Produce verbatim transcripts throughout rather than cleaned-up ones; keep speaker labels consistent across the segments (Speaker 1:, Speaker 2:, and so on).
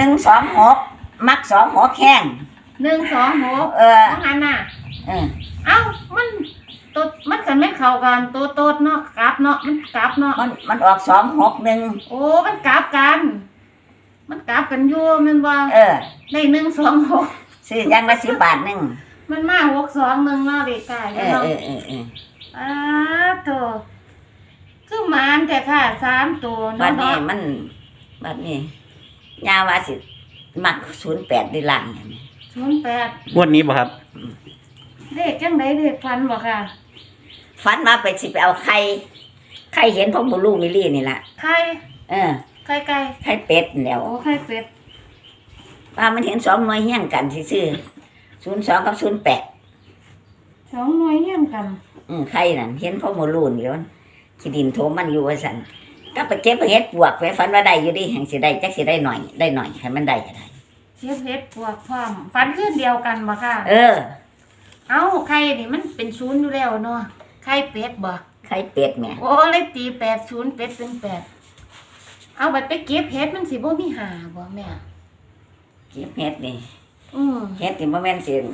Speaker 1: นึ่งสองหกมักสองหกแข้ง
Speaker 2: หนึ่งสองหก
Speaker 1: เออ
Speaker 2: ของอันน่ะ
Speaker 1: เออ
Speaker 2: เอ้ามันตัวมันกันไม่เข้ากันตัวโตดเนาะกลับเนาะมันกลับเนาะ
Speaker 1: มันมันออกสองหกหนึ่ง
Speaker 2: โอ้มันกลับกันมันกลับกันอยู่มันว่า
Speaker 1: เออ
Speaker 2: ได้หนึ่งสองหก
Speaker 1: ซื้อยังละสิบบาทหนึ่ง
Speaker 2: มันมาหกสองหนึ่งเนาะเด็กไก่
Speaker 1: เออเออเออเออ
Speaker 2: อ้าตัวคือมานแต่ค่ะสามตัว
Speaker 1: บัดนี้มันบัดนี้ยาว่าสิมักศูนย์แปดได้ล่างอย่างนี้
Speaker 2: ศูนย์แปด
Speaker 3: งวดนี้บ่ครับ
Speaker 2: เด็กจังไดเด็กฟันบ่ค่ะ
Speaker 1: ฟันมาไปสิไปเอาไข่ไข่เห็นพ่อบุลูกมิลี่นี่แหละ
Speaker 2: ไข่
Speaker 1: เออ
Speaker 2: ไข่ไก่
Speaker 1: ไข่เป็ดแล้ว
Speaker 2: โอ้ไข่เป็ด
Speaker 1: ป้ามันเห็นสองหน่วยเฮี้ยงกันซื่อศูนย์สองกับศูนย์แปด
Speaker 2: สองหน่วยเฮี้ยงกัน
Speaker 1: อืมไข่นั่นเห็นพ่อบุลูกนี่มันขี้ดินโถมันอยู่ว่าสันก็ไปเก็บไปเฮ็ดปวกไปฟันว่าได้อยู่ดิแห่งสิได้จักสิได้หน่อยได้หน่อยให้มันได้ก็ได้
Speaker 2: เก็บเฮ็ดปวกพร้อมฟันขึ้นเดียวกันบ่ค่ะ
Speaker 1: เออ
Speaker 2: เอ้าไข่นี่มันเป็นศูนย์อยู่แล้วเนาะไข่เป็ดบ่
Speaker 1: ไข่เป็ดแม่
Speaker 2: โอ้เลยตีแปดศูนย์เป็ดเป็นแปดเอาไปไปเก็บเฮ็ดมันสิบ่มีหาบ่แม่
Speaker 1: เก็บเฮ็ดนี่
Speaker 2: อือ
Speaker 1: เฮ็ดนี่บ่แม่นสิ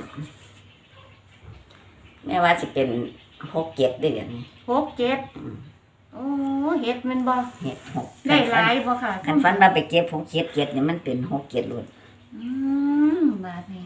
Speaker 1: แม่ว่าสิเป็นหกเจ็ดเดือน
Speaker 2: หกเจ็ดโอ้เฮ็ดมันบ่
Speaker 1: เฮ็ดหก
Speaker 2: ได้หลายบ่ค่ะ
Speaker 1: คันฟันมาไปเก็บหกเจ็ดเจ็ดนี่มันเป็นหกเจ็ดล้วน
Speaker 2: อืมบาดนี้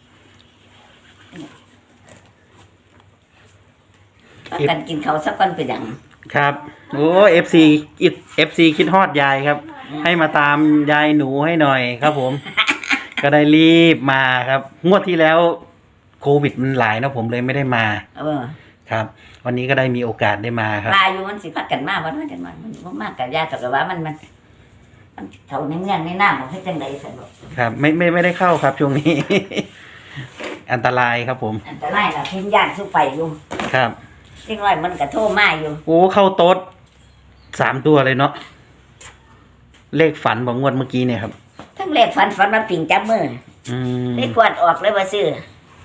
Speaker 1: กันกินเขาสักก่อนเป็นหยัง
Speaker 3: ครับโอ้เอฟซีเอฟซีคิดฮอดยายครับให้มาตามยายหนูให้หน่อยครับผม ก็ได้รีบมาครับงวดที่แล้วโควิดมันหลายนะผมเลยไม่ได้มา
Speaker 1: เออ
Speaker 3: ครับวันนี้ก็ได้มีโอกาสได้มาครับ
Speaker 1: มาอยู่มันสิพักกันมากวันนั้นกันมามันมากกับยาแต่ว่ามันมันมันเท่าในเมืองในหน้าของให้จังใดสนุก
Speaker 3: ครับไม่ไม่ไม่ได้เข้าครับช่วงนี้ อันตรายครับผม
Speaker 1: อันตรายนะเพิ่งย่างสู้ไฟอยู่
Speaker 3: ครับ
Speaker 1: จริงว่ามันกระโทษมาอยู่
Speaker 3: โอ้เข้าโต๊ดสามตัวเลยเนาะเลขฝันบอกงวดเมื่อกี้เนี่ยครับ
Speaker 1: ทั้งเลขฝันฝันมาปิ่งจับมือเลขกวาดออกเลยว่าซื้อ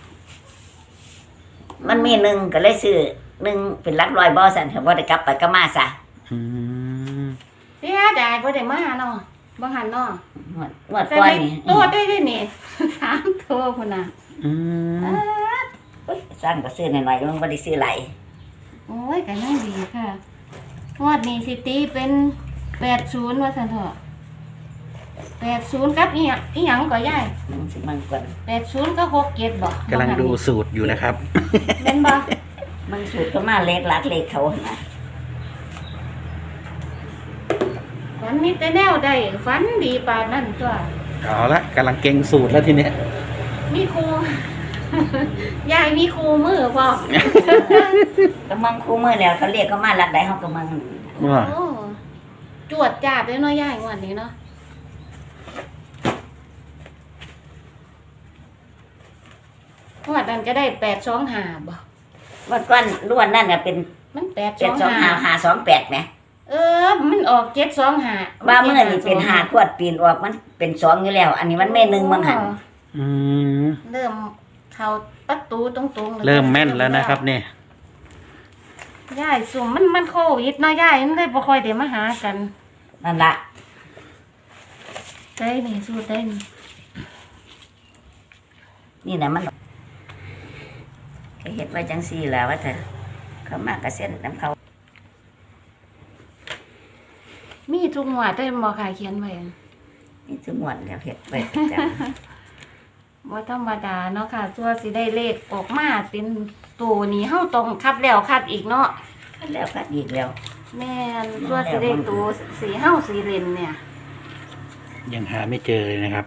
Speaker 1: มันมีหนึ่งก็เลยซื้อหนึ่งเป็นลักลอยบอสันเขาบ่ได้กลับไปก็มาซะ
Speaker 2: เสียดายบ่ได้มาเนาะบ่หันเนาะ
Speaker 1: งวดก่อนนี่
Speaker 2: ตัวได้ด้วยนี่สามตัวพุ่นน่ะ
Speaker 3: อืม
Speaker 1: สร้างก็ซื้อหน่อยๆมันบ่ได้ซื้อหลาย
Speaker 2: โอ้ยก็ยังดีค่ะงวดนี้สิตีเป็นแปดศูนย์ว่าซั่นเถอะแปดศูนย์กับอีหยังอีหยังก็ยาย
Speaker 1: มันสิมันกว่า
Speaker 2: แปดศูนย์ก็หกเจ็ดบ่
Speaker 3: กำลังดูสูตรอยู่นะครับ
Speaker 2: แม่นบ่
Speaker 1: มันสูตรก็มาเลขหลักเลขเขาน่ะ
Speaker 2: ฝันมีแต่แนวใดฝันดีปานนั้นตัว
Speaker 3: เอาละกำลังเก่งสูตรแล้วทีเนี้ย
Speaker 2: มีครูยายมีครูมือบ่
Speaker 1: ก็มังครูมือแล้วเขาเรียกเขามาหลักใดเฮาก็มัง
Speaker 3: ว่า
Speaker 2: จวดจาดเลยเนาะยายงวดนี้เนาะงวดนั้นจะได้แปดสองห้าบ่
Speaker 1: วันก่อนล้วนนั่นน่ะเป็น
Speaker 2: มันแปด
Speaker 1: สองห้า ห้าสองแปดแหม
Speaker 2: เออมันออกเจ็ดสองห้า
Speaker 1: ว่ามื้อนี่เป็นห้าขวดปีนออกมันเป็นสองอยู่แล้วอันนี้มันแม่หนึ่งมั้งหั่น
Speaker 3: อืม
Speaker 2: เริ่มเข้าประตูตรงๆ
Speaker 3: เริ่มแม่นแล้วนะครับเนี่ย
Speaker 2: ยายสุ่มมันมันโควิดเนาะยายมันเลยบ่ค่อยได้มาหากัน
Speaker 1: นั่นล่ะ
Speaker 2: ได้นี่สู้ได้นี่
Speaker 1: นี่น่ะมันก็เฮ็ดไว้จังซี่ล่ะว่าเถอะเขามากระเซ็นน้ำเขา
Speaker 2: มีทุกงวดได้บ่ค่ะเขียนไว้
Speaker 1: มีทุกงวดแล้วเฮ็ดไว้ประจำ
Speaker 2: บ่ธรรมดาเนาะค่ะตัวสิได้เลขออกมาเป็นตัวนี้เฮาต้องคัดแล้วคัดอีกเนาะ
Speaker 1: คัดแล้วคัดอีกแล้ว
Speaker 2: แม่นตัวสิได้ตัวสีเฮาสีเล่นเนี่ย
Speaker 3: ยังหาไม่เจอเลยนะครับ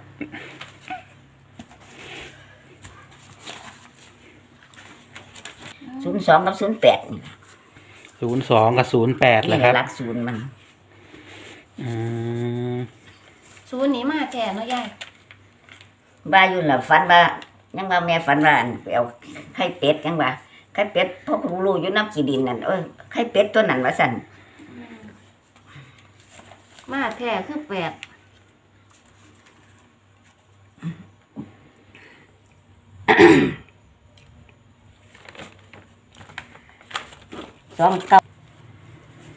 Speaker 1: ศูนย์สองกับศูนย์แปด
Speaker 3: ศูนย์สองกับศูนย์แปดเลยครับ
Speaker 1: หลักศูนย์มัน
Speaker 3: อืม
Speaker 2: ศูนย์นี้มาแก่เนาะยาย
Speaker 1: บ้าอยู่ล่ะฝันว่ายังว่าแม่ฝันว่าไปเอาไข่เป็ดยังว่าไข่เป็ดพวกรู้อยู่น้ำขี้ดินนั่นเอ้ยไข่เป็ดตัวนั้นว่าสั่น
Speaker 2: มาแท้คือแปด
Speaker 1: สองเก้า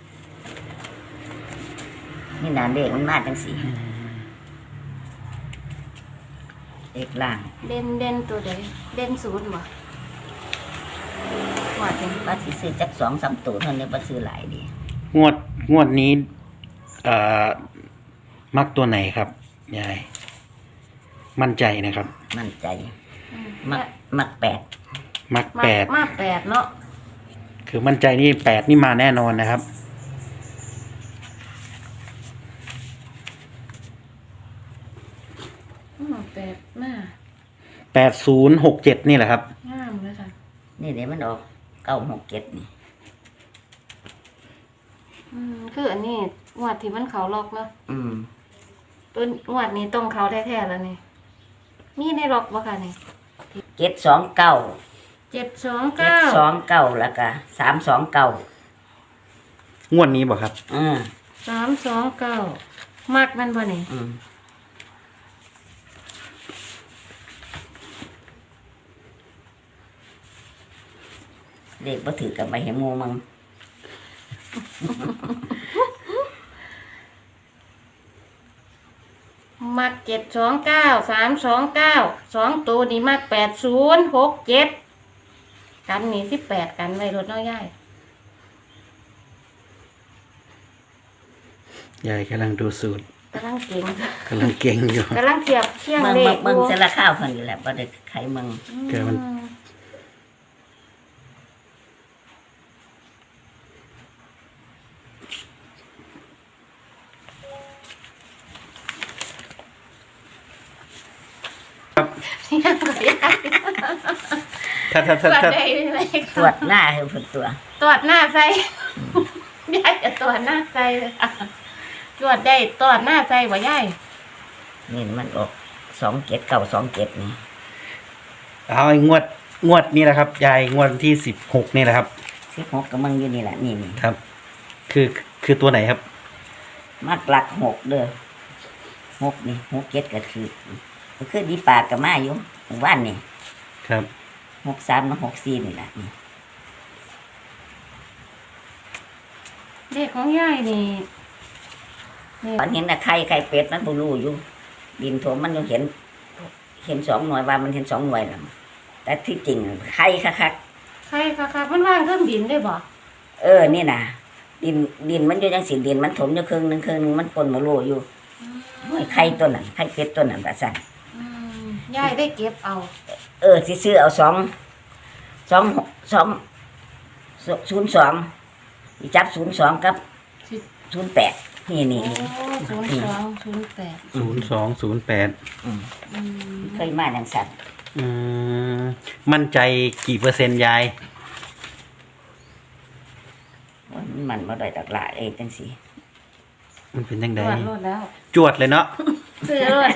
Speaker 1: นี่นานเด็กมันมาจังสีเอกล่าง
Speaker 2: เด่นเด่นตัวใดเด่นศูนย์บ่ว่าจัง
Speaker 1: ว่าสิซื้อจักสองสามตัวเท่านี้บ่ซื้อหลายดี
Speaker 3: งวดงวดนี้เอ่อมักตัวไหนครับยายมั่นใจนะครับ
Speaker 1: มั่นใจ
Speaker 2: อืม
Speaker 1: มักมักแปด
Speaker 3: มัก
Speaker 2: มา
Speaker 3: แปด
Speaker 2: มาแปดเนาะ
Speaker 3: คือมั่นใจนี่แปดนี่มาแน่นอนนะครับ
Speaker 2: อืมแปดมา
Speaker 3: แปดศูนย์หกเจ็ดนี่แหละครับ
Speaker 2: งามเลยค่ะ
Speaker 1: นี่เดี๋ยวมันออกเก้าหกเจ็ดนี่
Speaker 2: อืมคืออันนี้งวดที่มันเขาล็อกเนาะ
Speaker 1: อืม
Speaker 2: ตัวงวดนี้ตรงเขาแท้ๆแล้วนี่มีในล็อกบ่ค่ะนี่
Speaker 1: เจ็ดสองเก้า
Speaker 2: เจ็ดสอง
Speaker 1: เจ็ด
Speaker 2: เก้า
Speaker 1: สองเก้าแล้วก็สามสองเก้าง
Speaker 3: วดนี้บอกครับ
Speaker 1: อืม
Speaker 2: สามสองเก้ามักมันบ่นี่
Speaker 1: อืมเด็กบ่ถือกับไปเห็นหมูมึง
Speaker 2: มักเจ็ดสองเก้าสามสองเก้าสองตัวนี่มักแปดศูนย์หกเจ็ดกันนี่สิบแปดกันไว้รถน้อยย่าย
Speaker 3: ยายกำลังดูสูตร
Speaker 2: กำลังเก่ง
Speaker 3: กำลังเก่งอยู่
Speaker 2: กำลังเทียบเทียง
Speaker 1: เมือง
Speaker 2: เล
Speaker 1: เมือ
Speaker 2: ข
Speaker 1: งเมืองเสละข้าวคนนี้แหละบ่ได้ไขเมือง
Speaker 3: เกิดมัน
Speaker 2: อืม ยังก็ยาย
Speaker 3: ถ้าถ้า
Speaker 2: ตร
Speaker 3: ถ้าว
Speaker 2: จ
Speaker 3: ถ้า
Speaker 2: ได้เลย
Speaker 1: ตรวจหน้าให้เพิ่นตัว
Speaker 2: ตรวจหน้าใส่ ยายจะตรวจหน้าใส่เลยค่ะตรวจได้ตรวจหน้าใส่บ่ยาย
Speaker 1: นี่มันออกสองเจ็ดเก้าสองเจ็ดนี่
Speaker 3: เอาไอ้งวดงวดนี้แหละครับ ยายงวดที่สิบหกนี่แหละครับ
Speaker 1: สิบหกกับมึงอยู่นี่แหละนี่นี่
Speaker 3: ครับ คือคือตัวไหนครับ
Speaker 1: มักหลักหกเด้อหกนี่หกเจ็ดก็คือก็คือดีปากกับมาอยู่หมู่บ้านนี่
Speaker 3: ครับ
Speaker 1: หกสามกับหกสี่นี่แหละนี่
Speaker 2: เด็กของยายนี่นี่
Speaker 1: ตอนเห็นนะไข่ไข่เป็ดมันบ่รู้อยู่ ดินโถมมันยังเห็น เห็นสองหน่วยว่ามันเห็นสองหน่วยแล้วแต่ที่จริงไข่คัก
Speaker 2: ใครค่ะค่ะมันว่างเครื่องบินได้บ่
Speaker 1: ๆเออนี่นะดินดินมันอยู่จังสิดินมันถมอยู่ครึ่งหนึงครึ่งหนึงมันปนบ่รู้อยู่โอ้ยไข่ตัวนั้นไข่เป็ดตัวนั้นว่าซั่น
Speaker 2: อืมยายได้เก็บเอา
Speaker 1: เออสิซื้อเอาสองสองสองศูนย์สองจับศูนย์สองกับ
Speaker 2: สิ
Speaker 1: ศูนย์แปดนี่นี่
Speaker 2: โอ้
Speaker 1: นี่
Speaker 2: ศูนย์สองศูนย์แปด
Speaker 3: ศูนย์สองศูนย์แปด
Speaker 1: อืม
Speaker 2: อืม
Speaker 1: เคยมาจังสัน
Speaker 3: อืมมั่นใจกี่เปอร์เซ็นต์ยาย
Speaker 1: ว่ามันมาได้ตักหลายเอ้จังสิ
Speaker 3: มันเป็นยัง
Speaker 2: ต
Speaker 3: ไง
Speaker 2: รวจรถแล้ว
Speaker 3: จวดเลยเนาะ
Speaker 2: เสือรถ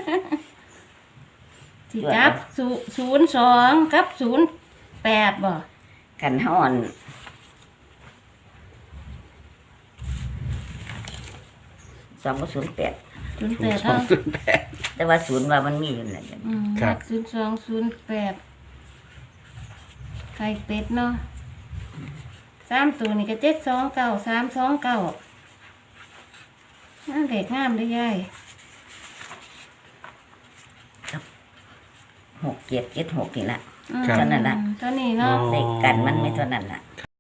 Speaker 2: สิจับศูศูนย์สองกับศูนย์แปดบ่
Speaker 1: กันห้อนสองก็ศูนย์แปด
Speaker 2: ศูนย์
Speaker 3: ศู
Speaker 2: แป
Speaker 3: น
Speaker 2: ด
Speaker 3: ย์สอง
Speaker 2: เนาะ
Speaker 3: ศูนย์แปด
Speaker 1: แต่ว่าศูนย์ว่ามันมีอยู่นั่นแหละ
Speaker 2: อืม
Speaker 3: ครับ
Speaker 2: ศูนย์สองศูนย์แปดไข่เป็ดเนาะสามตัวนี่ก็เจ็ดสองเก้าสามสองเก้าน่าเด็กงามได้ยาย
Speaker 1: หกเจ็ดเจ็ดหกนี่ละ
Speaker 2: อืม
Speaker 1: เท่านั้นล่ะ
Speaker 2: ตัวนี้เนาะ
Speaker 1: เลขกันมันไม่เท่านั้นล่ะ